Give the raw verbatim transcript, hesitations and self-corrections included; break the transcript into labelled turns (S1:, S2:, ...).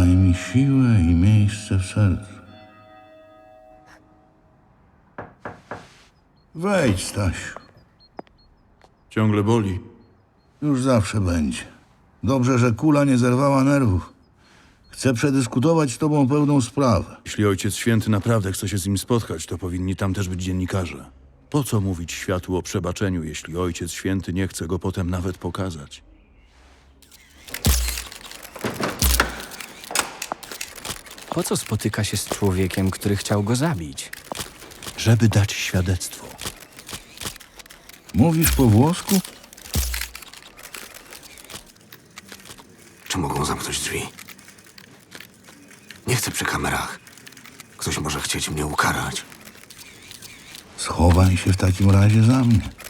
S1: Daj mi siłę i miejsce w sercu. Wejdź, Stasiu.
S2: Ciągle boli.
S1: Już zawsze będzie. Dobrze, że kula nie zerwała nerwów. Chcę przedyskutować z tobą pewną sprawę.
S2: Jeśli Ojciec Święty naprawdę chce się z nim spotkać, to powinni tam też być dziennikarze. Po co mówić światu o przebaczeniu, jeśli Ojciec Święty nie chce go potem nawet pokazać?
S3: Po co spotyka się z człowiekiem, który chciał go zabić?
S2: Żeby dać świadectwo.
S1: Mówisz po włosku?
S4: Czy mogą zamknąć drzwi? Nie chcę przy kamerach. Ktoś może chcieć mnie ukarać.
S1: Schowaj się w takim razie za mnie.